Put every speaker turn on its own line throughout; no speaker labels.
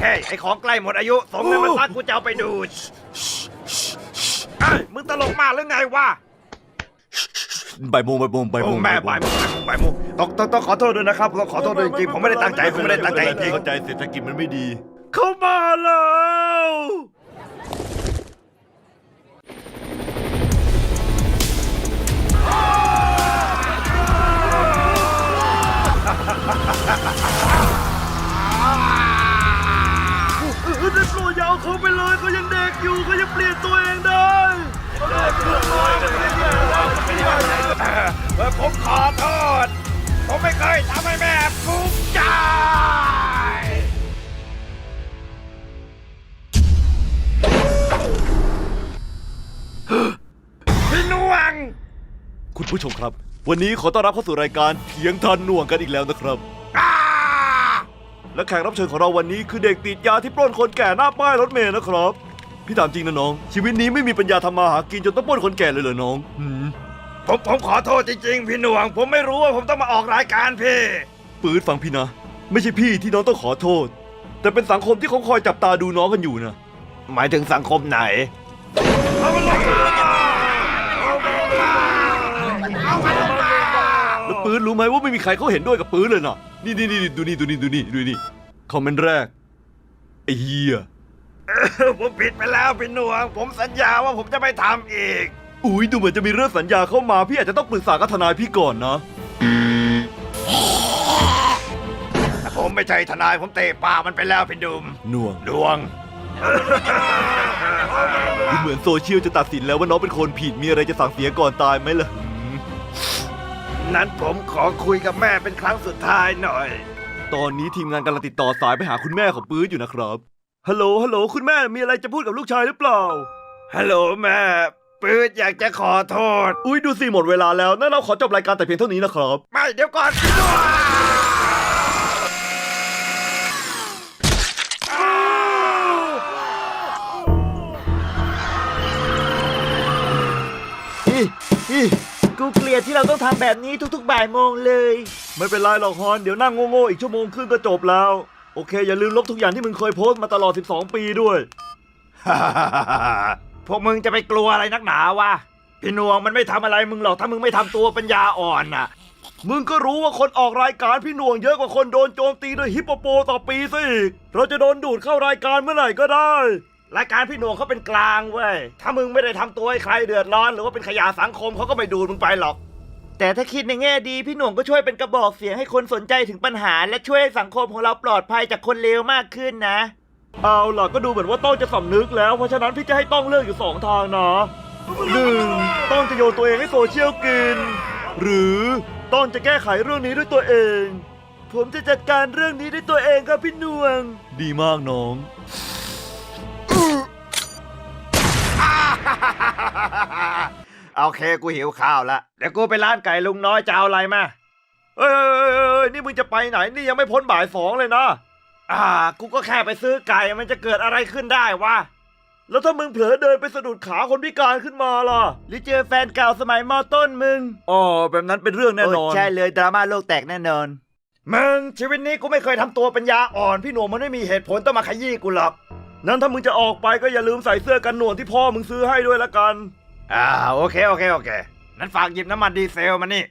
ฮ้ยไอของใกล้หมดอายุส่งเงินมาซักกูจะเอาไปดูดเฮ้ยมึงตลกมากหรือไงวะ
บ่ายโมง
แม่บ่ายโมงต้องขอโทษด้วยนะครับต้องขอโทษด้วยจริงๆผมไม่ได้ตั้งใจจริง
เข้าใจเศรษฐกิจมันไม่ดี
ๆเข้ามาแล้วได้โปรดอย่าเอาเขาไปเลยเขายังเด็กอยู่เขายังเปลี่ยนตัวเองได้ผมขอโทษผมไม่เคยทำให้แม่ภูมิใจพี่นวง
คุณผู้ชมครับ วันนี้ขอต้อนรับเข้าสู่รายการเถียงทันหน่วงกันอีกแล้วนะครับ และแขกรับเชิญของเราวันนี้คือเด็กติดยาที่ปล้นคนแก่หน้าป้ายรถเมล์นะครับพี่ถามจริงนะน้องชีวิตนี้ไม่มีปัญญาทำมาหากินจนต้องปล้นคนแก่เลยเหรอน้อง
ผมขอโทษจริงๆพี่หน่วงผมไม่รู้ว่าผมต้องมาออกรายการพี่
ปื๊ดฟังพี่นะไม่ใช่พี่ที่น้องต้องขอโทษแต่เป็นสังคมที่เขาคอยจับตาดูน้องกันอยู่นะ
หมายถึงสังคมไหน
แล้วปื๊ดรู้ไหมว่าไม่มีใครเขาเห็นด้วยกับปื๊ดเลยนะนี่ดูนี่คอมเมนต์แรกไอ้เหี้ย
ผมผิดไปแล้วพี่หน่วงผมสัญญาว่าผมจะไม่ทำอีก
อุ้ยดูเหมือนจะมีเรื่องสัญญาเข้ามาพี่อาจจะต้องปรึกษากับทนายพี่ก่อนนะ
ผมไม่ใช่ทนายผมเตะปากมันไปแล้วพี่ดุม
หน่วง
ดวง
ดูเหมือนโซเชียลจะตัดสินแล้วว่าน้องเป็นคนผิดมีอะไรจะสั่งเสียก่อนตายไหมล่ะ
นั้นผมขอคุยกับแม่เป็นครั้งสุดท้ายหน่อย
ตอนนี้ทีมงานกำลังติดต่อสายไปหาคุณแม่ของปื๊ดอยู่นะครับฮัลโหลคุณแม่มีอะไรจะพูดกับลูกชายหรือเปล่า
ฮัลโหลแม่ปื๊ดอยากจะขอโทษ
อุ้ยดูสิหมดเวลาแล้วนั่นเราขอจบรายการแต่เพียงเท่านี้นะครับ
ไม่เดี๋ยวก่อน
กูเกลียดที่เราต้องทำแบบนี้ทุกๆบ่ายโมงเลย
ไม่เป็นไรหรอกฮอนเดี๋ยวนั่งโง่ๆอีกชั่วโมงครึ่งก็จบแล้วโอเคอย่าลืมลบทุกอย่างที่มึงเคยโพสต์มาตลอด12 ปีด้วย
พวกมึงจะไปกลัวอะไรนักหนาวะพี่หน่วงมันไม่ทำอะไรมึงหรอกถ้ามึงไม่ทำตัวปัญญาอ่อนน่ะ
มึงก็รู้ว่าคนออกรายการพี่หน่วงเยอะกว่าคนโดนโจมตีด้วยฮิปโปโปต่อปีซะอีกเราจะโดนดูดเข้ารายการเมื่อไหร่ก็ได้
รายการพี่หน่วงเขาเป็นกลางเว้ยถ้ามึงไม่ได้ทำตัวให้ใครเดือดร้อนหรือว่าเป็นขยะสังคมเขาก็ไม่ดูดมึงไปหรอก
แต่ถ้าคิดในแง่ดีพี่หน่วงก็ช่วยเป็นกระบอกเสียงให้คนสนใจถึงปัญหาและช่วยให้สังคมของเราปลอดภัยจากคนเลวมากขึ้นนะ
เอาล่ะก็ดูเหมือนว่าต้องจะสำนึกแล้วเพราะฉะนั้นพี่จะให้ต้องเลือกอยู่2 ทางนะ1ต้องจะโยนตัวเองให้โซเชียลกินหรือต้องจะแก้ไขเรื่องนี้ด้วยตัวเอง
ผมจะจัดการเรื่องนี้ด้วยตัวเองครับพี่หน่วง
ดีมากน้อง
โอเคกูหิวข้าวละเดี๋ยวกูไปร้านไก่ลุงน้อยจะเอาอะไรมา
เอ้ยนี่มึงจะไปไหนนี่ยังไม่พ้นบ่าย 2เลยนะ
กูก็แค่ไปซื้อไก่มันจะเกิดอะไรขึ้นได้วะ
แล้วถ้ามึงเผลอเดินไปสะดุดขาคนพิการขึ้นมาล่ะ
หรือเจอแฟนเก่าสมัยม.ต้นมึง
แบบนั้นเป็นเรื่องแน่นอน
ใช่เลยดราม่าโลกแตกแน่นอน
มึงชีวิตนี้กูไม่เคยทำตัวปัญญาอ่อนพี่หนุ่มมันไม่มีเหตุผลต้องมาขยี้กูหรอก
นั้นถ้ามึงจะออกไปก็อย่าลืมใส่เสื้อกันหนวดที่พ่อมึงซื้อให้ด้วยละกัน
โอเคนั้นฝากหยิบน้ำมันดีเซลมานี่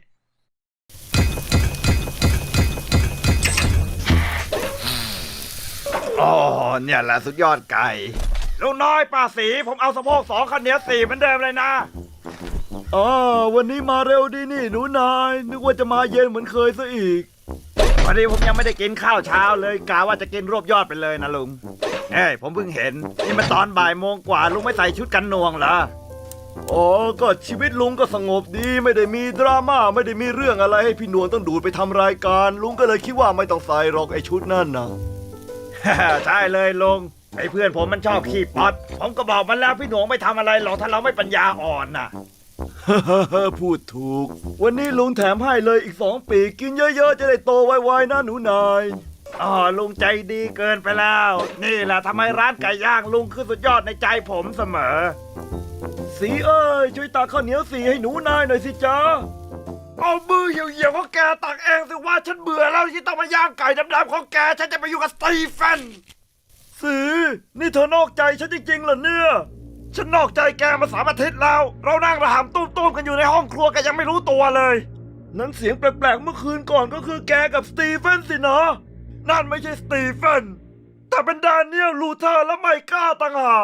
เนี่ยแหละสุดยอดไก่ลุงน้อยป้าสีผมเอาสะโพก2ข้าวเหนียว4เหมือนเดิมเลยนะ
วันนี้มาเร็วดีนี่หนูนายนึกว่าจะมาเย็นเหมือนเคยซะอีก
วันนี้ผมยังไม่ได้กินข้าวเช้าเลยกะว่าจะกินรวบยอดไปเลยนะลุงผมเพิ่งเห็นนี่มันตอนบ่ายโมงกว่าลุงไม่ใส่ชุดกันหน่วงเหรอ
ก็ชีวิตลุงก็สงบดีไม่ได้มีดราม่าไม่ได้มีเรื่องอะไรให้พี่หนวงต้องดูดไปทำรายการลุงก็เลยคิดว่าไม่ต้องใส่หรอกไอชุดนั่นนะ
ใช่เลยลุงไอเพื่อนผมมันชอบขี้ป๊อดผมก็บอกมันแล้วพี่หนวงไม่ทำอะไรหรอกถ้าเราไม่ปัญญาอ่อนน่ะ
พูดถูกวันนี้ลุงแถมให้เลยอีก2 ปีกินเยอะๆจะได้โตไวๆนะหนูนาย
ลุงใจดีเกินไปแล้วนี่แหละทำไมร้านไก่ย่างลุงคือสุดยอดในใจผมเสมอ
สีเอ้ยช่วยตักข้าวเหนียวสีให้หนูนายหน่อยสิจ๊ะ
เอามือเหี่ยวๆของแกตักเองสิว่าฉันเบื่อแล้วที่ต้องมาย่างไก่ดำๆของแกฉันจะไปอยู่กับสตีเฟน
สีนี่เธอนอกใจฉันจริงๆเหรอเนี่ย
ฉันนอกใจแกมา3 อาทิตย์แล้ว เรานั่งระหำตุ้มๆกันอยู่ในห้องครัวแกยังไม่รู้ตัวเลย
นั้นเสียงแปลกๆเมื่อคืนก่อนก็คือแกกับสตีเฟนสินะ
นั่นไม่ใช่สตีเฟนแต่เป็นแดเนียลลูเทอร์และไมก้าต่างหาก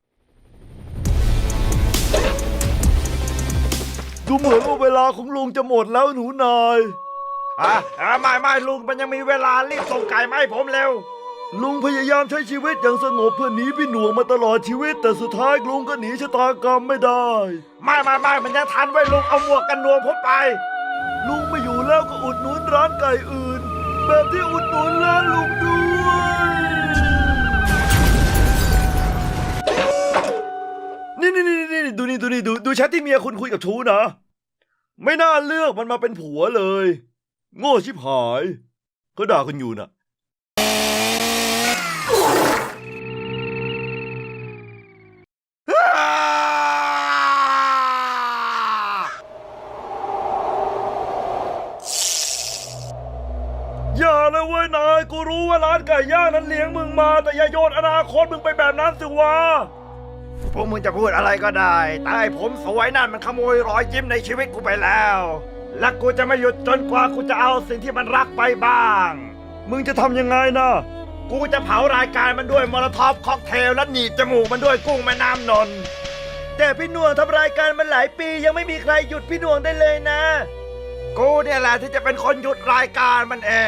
ดูเหมือนว่าเวลาของลุงจะหมดแล้วหนูนาย
ไม่ลุงมันยังมีเวลารีบส่งไก่มาให้ผมเร็ว
ลุงพยายามใช้ชีวิตอย่างสงบเพื่อหนีพี่หน่วงมาตลอดชีวิต แต่สุดท้ายลุงก็หนีชะตากรรมไม่ได้
ไม่มันยังทันไว้ลุงเอาหมวกกันหนวงผมไป
ลุงไม่อยู่แล้วก็อุดหนุนร้านไก่อื่น แบบที่อุดหนุนร้านลุงด้วย นี่ดูแชทที่เมียคุณคุยกับชูนะ ไม่น่าเลือกมันมาเป็นผัวเลย โง่ชิบหายเขาด่ากันอยู่น่ะ อย่าเลยเว้ยนายกูรู้ว่าร้านไก่ย่างนั้นเลี้ยงมึงมา แต่อย่าโยนอนาคตมึงไปแบบนั้นสิวะ
พวกมึงจะพูดอะไรก็ได้แต่ไอ้ผมสวยนั่นมันขโมยรอยยิ้มในชีวิตกูไปแล้ว และกูจะไม่หยุดจนกว่ากูจะเอาสิ่งที่มันรักไปบ้าง
มึงจะทำยังไงนะ
กูจะเผารายการมันด้วยมอลโลท็อปค็อกเทลและหนีบจมูกมันด้วยกุ้งแม่น้ำนนท์
แต่พี่หน่วงทำรายการมันหลายปียังไม่มีใครหยุดพี่หน่วงได้เลยนะ
กูเนี่ยแหละที่จะเป็นคนหยุดรายการมันเอง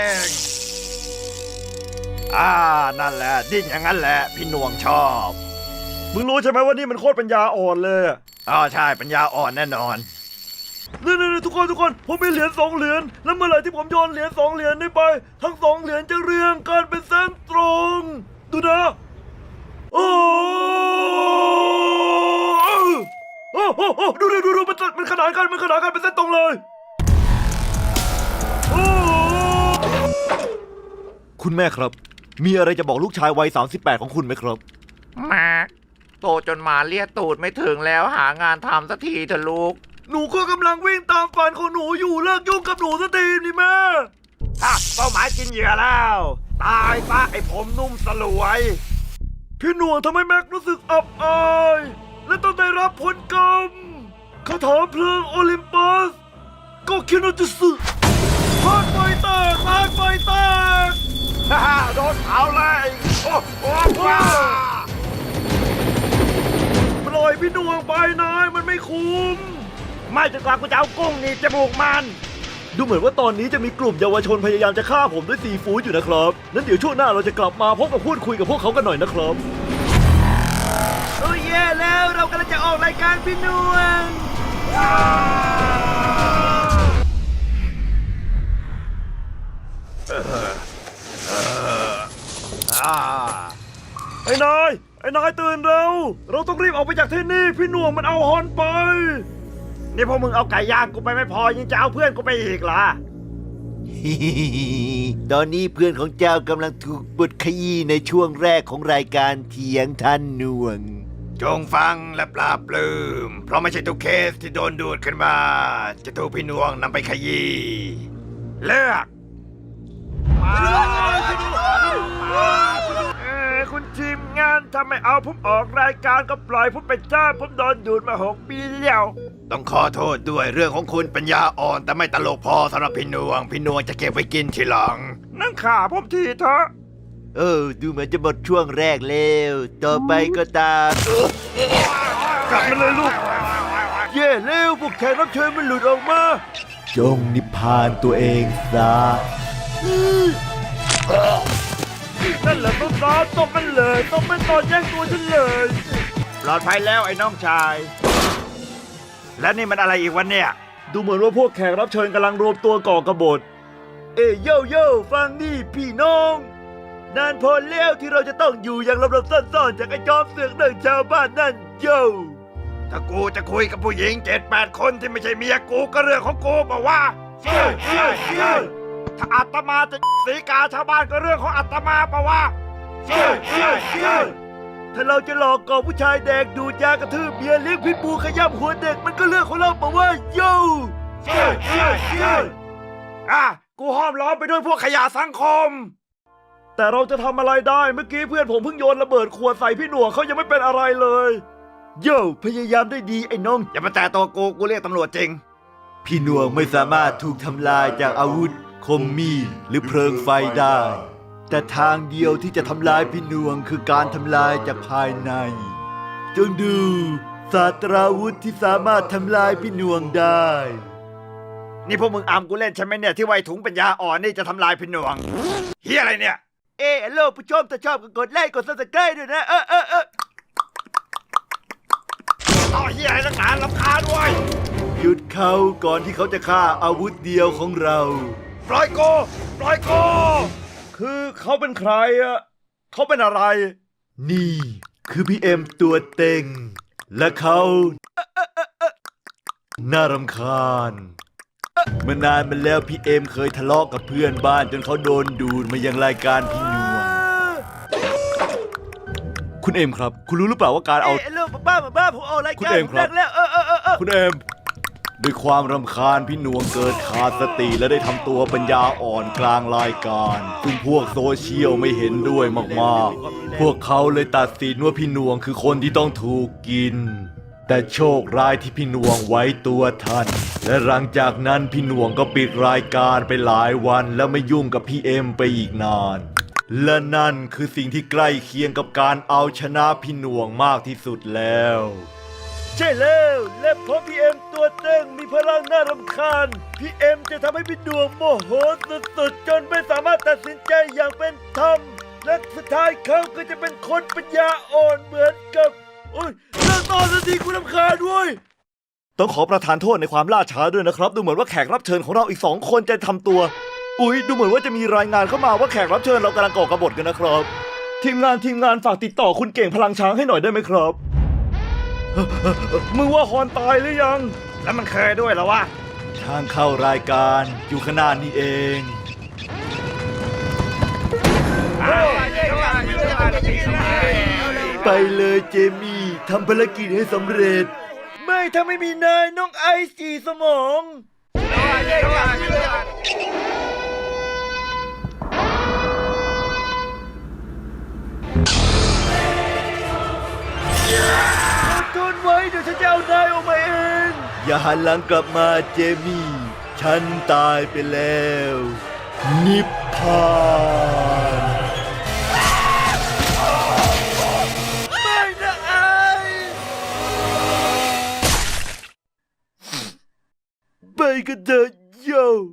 นั่นแหละดิ้นอย่างนั้นแหละพี่หน่วงชอบ
มึงรู้ใช่ไหมว่านี่มันโคตรปัญญาอ่อนเลยอะ
ใช่ปัญญาอ่อนแน่นอน
นี่ทุกคนผมมีเหรียญ2 เหรียญแล้วเมื่อไหร่ที่ผมโยนเหรียญ2 เหรียญนี้ไปทั้ง2 เหรียญจะเรียงกันเป็นเส้นตรงดูนะโอ้ดูมันขนานกันเป็นเส้นตรงเลยคุณแม่ครับมีอะไรจะบอกลูกชายวัย38ของคุณไหมครับ
มาโตจนหมาเลียตูดไม่ถึงแล้วหางานทำสักทีเถอะลูก
หนูก็กำลังวิ่งตามฝันของหนูอยู่เลิกยุ่งกับหนูสักทีนี่แม่
เป้าหมายกินเหยื่อแล้ว ตายซะไอ้ผมนุ่มสลวย
พี่หน่วงทำให้แม็กรู้สึกอับอายและต้องได้รับผลกรรมคาถาเพลิงโอลิมปัสก็คิโนจิสึพาดไฟแตก
โดนเผาเลยว้า
ปล่อยพี่หน่วงไปนายมันไม่คุ้ม
ไม่จนกว่ากูจะเอากุ้งหนีบจมูกมัน
ดูเหมือนว่าตอนนี้จะมีกลุ่มเยาวชนพยายามจะฆ่าผมด้วยซีฟู้ดอยู่นะครับนั้นเดี๋ยวช่วงหน้าเราจะกลับมาพบกับพูดคุยกับพวกเขากันหน่อยนะครับ
โอ้ยแย่แล้วเรากำลังจะออกรายการพี่หน่วง
ไอ้นายตื่นเร็วเราต้องรีบออกไปจากที่นี่พี่หน่วงมันเอาฮอนไป
นี่พวกมึงเอาไก่ย่างกูไปไม่พอยังจะเอาเพื่อนกูไปอีกเหรอ
ตอนนี้เพื่อนของเจ้ากำลังถูกบดขยี้ในช่วงแรกของรายการเถียงท่านหน่วง
จงฟังและปลาบปลื้มเพราะไม่ใช่ทุกเคสที่โดนดูดขึ้นมา จะถูกพี่นวงนำไปขยี้เลือกคุณทีมงานทำไมเอาผมออกรายการก็ปล่อยผมไปจ้าผมโดนดูดมา6 ปีแล้ว ต้องขอโทษด้วยเรื่องของคุณปัญญาอ่อนแต่ไม่ตลกพอสำหรับพี่นวงจะเก็บไว้กินทีหลัง นั่งขาผมทีเถอะ
ดูเหมือนจะหมดช่วงแรกแล้วต่อไปก็ตาม
กลับมาเลยลูกเย่เร็วพวกแขกรับเชิญมันหลุดออกมา
จงนิพพานตัวเองซะ
นั่นแหละต้นตาตบมันเลยตบมันตอนแย่งตัวฉันเลย
ปลอดภัยแล้วไอ้น้องชาย และนี่มันอะไรอีกวันเนี่ย
ดูเหมือนว่าพวกแขกรับเชิญกำลังรวมตัวก่อกบฏโย่ฟังนี่พี่น้องนานพอแล้วที่เราจะต้องอยู่อย่างหลบๆซ่อนๆจากไอ้จอมเสือกหนึ่งชาวบ้านนั่นโย่
ถ้ากูจะคุยกับผู้หญิง7-8 คนที่ไม่ใช่เมียกูก็เรื่องของกูบอกว่าถ้าอาตมาจะสีกาชาวบ้านก็เรื่องของอาตมาปะวะ
ถ้าเราจะหลอกก่อผู้ชายแดกดูดยากระทืบเมียเลี้ยงพิษบูขย้ำหัวเด็กมันก็เรื่องของเราปะว่าโย่
กูห้อมล้อมไปด้วยพวกขยะสังคม
แต่เราจะทำอะไรได้เมื่อกี้เพื่อนผมเพิ่งโยนระเบิดขวดใส่พี่หนวงเขายังไม่เป็นอะไรเลยโย่พยายามได้ดีไอ้น้อง
อย่ามาแตะตัวกูเรียกตำรวจจริง
พี่หนวงไม่สามารถถูกทำลายจากอาวุธคมมีดหรือเพลิงไฟได้ แต่ทางเดียวที่จะทำลายพี่หนวงคือการทำลายจากภายในจงดูศาสตราวุธที่สามารถทำลายพี่หนวงได้
นี่พวกมึงอามกูเล่นใช่ไหมเนี่ยที่ไวถุงปัญญาอ่อนนี่จะทำลายพี่หนวงเฮียอะไรเนี่ย
โลกผู้ชมถ้าชอบก็กดไลค์กดซับสไครต์ด้วยนะ
ต่อเฮียอะไรนักหนารำคาญเว้ย
หยุดเขาก่อนที่เขาจะฆ่าอาวุธเดียวของเรา
ปล่อยโก
คือเขาเป็นใครอะเขาเป็นอะไร นี่คือพี่เอ็มตัวเต็ง และเขาน่ารำคาญเมื่อนานมาแล้วพี่เอ็มเคยทะเลาะกับเพื่อนบ้านจนเขาโดนดูดมายังรายการพี่นวงคุณเอ็มครับ คุณรู้หรือเปล่าว่าการเอา
โลกบ้าผมเอาราย
คุณ
การ
เอ็มครับ
แล้ว
คุณเอ็มด้วยความรำคาญพี่หนวงเกิดขาดสติและได้ทำตัวปัญญาอ่อนกลางรายการซึ่งพวกโซเชียลไม่เห็นด้วยมากๆ พวกเขาเลยตัดสินว่าพี่หนวงคือคนที่ต้องถูกกิน แต่โชคร้ายที่พี่หนวงไว้ตัวทันและหลังจากนั้นพี่หนวงก็ปิดรายการไปหลายวันแล้วไม่ยุ่งกับพี่เอ็มไปอีกนาน และนั่นคือสิ่งที่ใกล้เคียงกับการเอาชนะพี่หนวงมากที่สุดแล้ว ใช่แล้วและเพราะพี่เอ็มตัวเต็งมีพลังน่ารำคาญพี่เอ็มจะทำให้พี่ดวงโมโหสุดๆจนไม่สามารถตัดสินใจอย่างเป็นธรรมและสุดท้ายเขาก็จะเป็นคนปัญญาอ่อนเหมือนกับโอ้ยเลิกตอนสักทีคุณรำคาญด้วยต้องขอประทานโทษในความล่าช้าด้วยนะครับดูเหมือนว่าแขกรับเชิญของเราอีก2 คนจะทำตัวดูเหมือนว่าจะมีรายงานเข้ามาว่าแขกรับเชิญเรากำลังก่อกบฏกันนะครับทีมงานฝากติดต่อคุณเก่งพลังช้างให้หน่อยได้ไหมครับ มึงว่าฮอนตายหรือยัง
แล้วมันเคยด้วยเหรอวะ
ทางเข้ารายการอยู่ข้างหน้านี่เอง ไปเลยเจมี่ทำภารกิจให้สำเร็จ ไม่ถ้าไม่มีนายน้องไอซ์จีสมอง ทนไว้เดี๋ยวฉันจะเอานายออกมาเอง อย่าหันหลังกลับมาเจมี่ ฉันตายไปแล้ว นิพพานไม่นะไอไปกันเถอะโย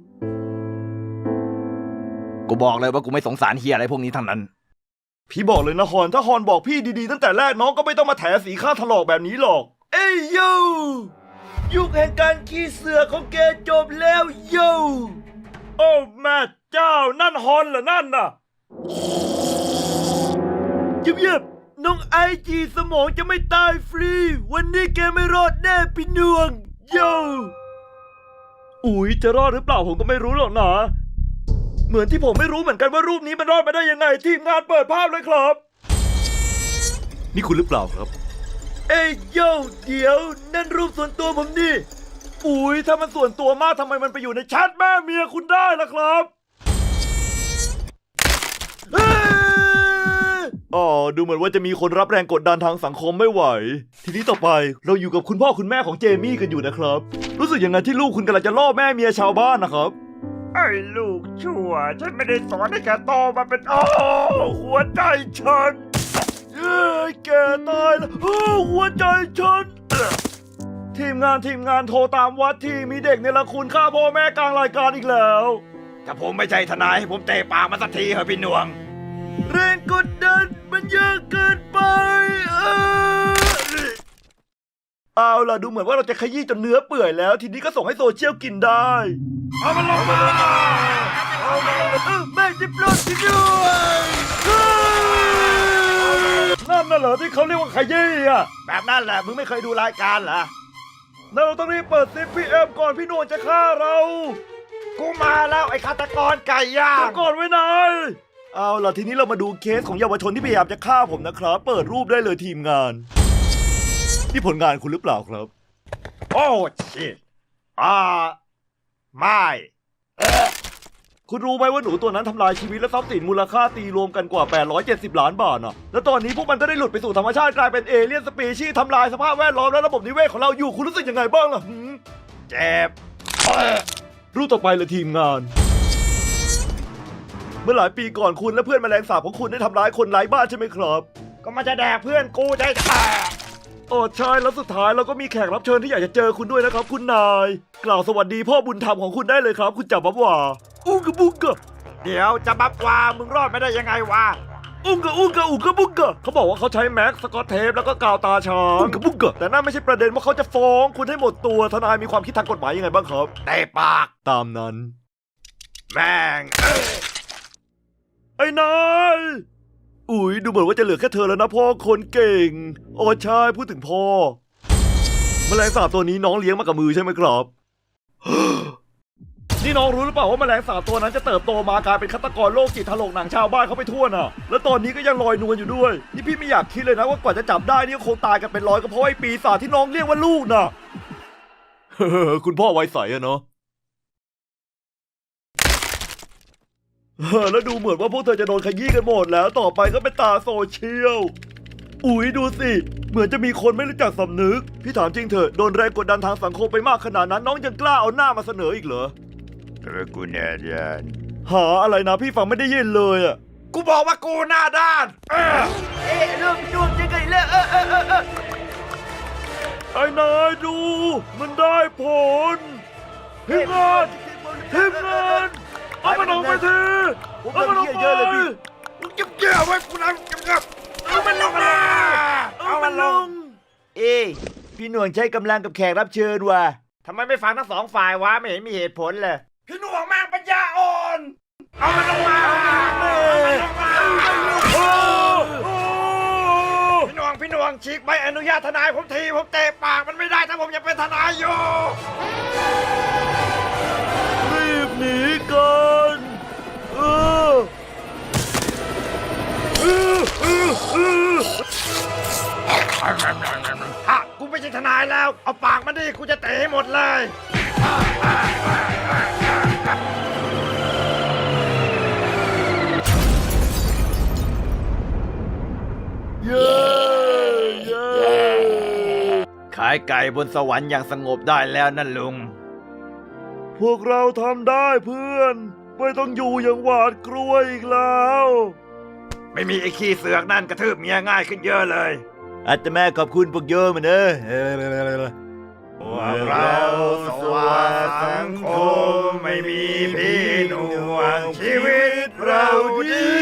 กูบอกเลยว่ากูไม่สงสารเฮียอะไรพวกนี้ทั้งนั้น
พี่บอกเลยนะฮอนถ้าฮอนบอกพี่ดีๆตั้งแต่แรกน้องก็ไม่ต้องมาแถสีข้าถลอกแบบนี้หรอก เอ้ยโยยุคแห่งการขี้เสือของแกจบแล้วโยโอ้แม่เจ้านั่นฮอนเหรอนั่นน่ะเยียบๆน้องไอจีสมองจะไม่ตายฟรี วันนี้แกไม่รอดแน่พี่นวงโยอุ๊ยจะรอดหรือเปล่าผมก็ไม่รู้หรอกนะเหมือนที่ผมไม่รู้เหมือนกันว่ารูปนี้มันรอดมาได้ยังไงทีมงานเปิดภาพเลยครับ นี่คุณหรือเปล่าครับ เอ้ยโย่เดี๋ยวนั่นรูปส่วนตัวผมนี่อุ๊ยถ้ามันส่วนตัวมากทำไมมันไปอยู่ในแชทแม่เมียคุณได้ล่ะครับอ๋อดูเหมือนว่าจะมีคนรับแรงกดดันทางสังคมไม่ไหว ทีนี้ต่อไปเราอยู่กับคุณพ่อคุณแม่ของเจมี่กันอยู่นะครับ รู้สึกยังไงที่ลูกคุณกำลังจะล่อแม่เมียชาวบ้านนะครับ
ไอ้ลูกชั่วฉันไม่ได้สอนให้แกโตมาเป็นหัวใจฉัน
แกตายแล้วหัวใจฉัน ทีมงานโทรตามวัดที่มีเด็กเนรคุณฆ่าพ่อแม่กลางรายการอีกแล้ว
ถ้าผมไม่ใช่ทนายให้ผมเตะปากมาสักทีเหอะพี่หนวง
แรงกดดันมันเยอะเกินไปเอาล่ะดูเหมือนว่าเราจะขยี้จนเนื้อเปื่อยแล้ว ทีนี้ก็ส่งให้โซเชียลกินได้
เอามันลงมา
แม่จะปลดที่ด้วยนั่นน่ะเหรอที่เขาเรียกว่าขยี้อ่ะ
แบบนั้นแหละมึงไม่เคยดูรายการเหรอ
เราต้องรีบเปิดซิปพี่เอ็มก่อนพี่นวลจะฆ่าเรา
กูมาแล้วไอ้ฆาตกรไก่ย่าง
ก่อนไว้นายเอาล่ะทีนี้เรามาดูเคสของเยาวชนที่พยายามจะฆ่าผมนะครับ เปิดรูปได้เลยทีมงานนี่ผลงานคุณหรือเปล่าครับ
โอ้ชิตไม่
คุณรู้ไหมว่าหนูตัวนั้นทำลายชีวิตและทรัพย์สินมูลค่าตีรวมกันกว่า 870 ล้านบาทนะแล้วตอนนี้พวกมันก็ได้หลุดไปสู่ธรรมชาติกลายเป็นเอเลี่ยนสปีชีส์ทำลายสภาพแวดล้อมและระบบนิเวศของเราอยู่ คุณรู้สึกยังไงบ้างล่ะหืม
เจ็บ
รูปต่อไปเลยทีมงาน เมื่อหลายปีก่อนคุณและเพื่อนแมลงสาบของคุณได้ทำร้ายคนไร้บ้านใช่ไหมครับ
ก็มันจะแดกเพื่อนกูได้แต่
โอ้ใช่แล้วสุดท้ายเราก็มีแขกรับเชิญที่อยากจะเจอคุณด้วยนะครับ คุณนาย กล่าวสวัสดีพ่อบุญธรรมของคุณได้เลยครับ คุณจับบับว่าอุ้งกะบุงกะ
เดี๋ยวจะบับวามึงรอดไม่ได้ยังไงวะ
อุ้งกะอุ้งกะอุ้งกะบุงกะเขาบอกว่าเขาใช้แม็กสกอตเทปแล้วก็กาวตาช้างอุ้งกะบุงกะแต่นั่นไม่ใช่ประเด็นว่าเขาจะฟ้องคุณให้หมดตัวทนายมีความคิดทางกฎหมายยังไงบ้างครับ
ได้ปาก
ตามนั้น
แม่ง
ไอ้นายอุ๊ยดูเหมือนว่าจะเหลือแค่เธอแล้วนะพ่อคนเก่งโอ้ใช่พูดถึงพ่อแมลงสาบตัวนี้น้องเลี้ยงมากับมือใช่ไหมครับ นี่น้องรู้หรือเปล่าว่าแมลงสาบตัวนั้นจะเติบโตมากลายเป็นฆาตกรโรคจิตถลกหนังชาวบ้านเขาไปทั่วน่ะ แล้วตอนนี้ก็ยังลอยนวลอยู่ด้วย นี่พี่ไม่อยากคิดเลยนะว่ากว่าจะจับได้นี่ก็คงตายกันเป็นร้อยก็เพราะไอ้ปีศาจที่น้องเรียกว่าลูกน่ะ คุณพ่อไว้ใสอะเนาะ แล้วดูเหมือนว่าพวกเธอจะโดนขยี้กันหมดแล้วต่อไปก็เป็นตาโซเชียล อุ๊ยดูสิ เหมือนจะมีคนไม่รู้จักสำนึก พี่ถามจริงเถอะโดนแรงกดดันทางสังคมไปมากขนาดนั้นน้องยังกล้าเอาหน้ามาเสนออีกเหรอ
กูแน่ด้าน
หาอะไรนะพี่ฟังไม่ได้ยินเลยอะ
กูบอกว่ากูหน้าด้าน
เรื่องพี่หน่วงจะไงเรื่อง
ไอ้นายดู มันได้ผลทีมงานทีมงานเอามันออกไปทีเอามันออกไป
มึงเก็บไว้กูนะเก็บเอามันลงมาเอามันลง
เอ้ยพี่หน่วงใช้กำลังกับแขกรับเชิญว่ะ
ทำไมไม่ฟังทั้งสองฝ่ายวะไม่เห็นมีเหตุผลเลยพี่หน่วงแม่งปัญญาอ่อนเอามันลงมาพี่หน่วงฉีกใบอนุญาตทนายผมทีผมเตะปากมันไม่ได้ถ้าผมยังเป็นทนายอยู่
รีบหนีกัน
ฮะกูไม่ใช่ทนายแล้ว เอาปากมาดิกูจะเตะให้หมดเลย
เย้เย้
ขายไก่บนสวรรค์อย่างสงบได้แล้วนั่นลุง
พวกเราทำได้เพื่อน ไม่ต้องอยู่อย่างหวาดกลัวอีกแล้ว
ไม่มีไอ้ขี้เสือกนั่นกระทืบเมียง่ายขึ้นเยอะเลย
อาตมาขอบคุณพวกโยมมัน
พวกเราสวาสังคมไม่มีพี่หน่วงชีวิตเราดี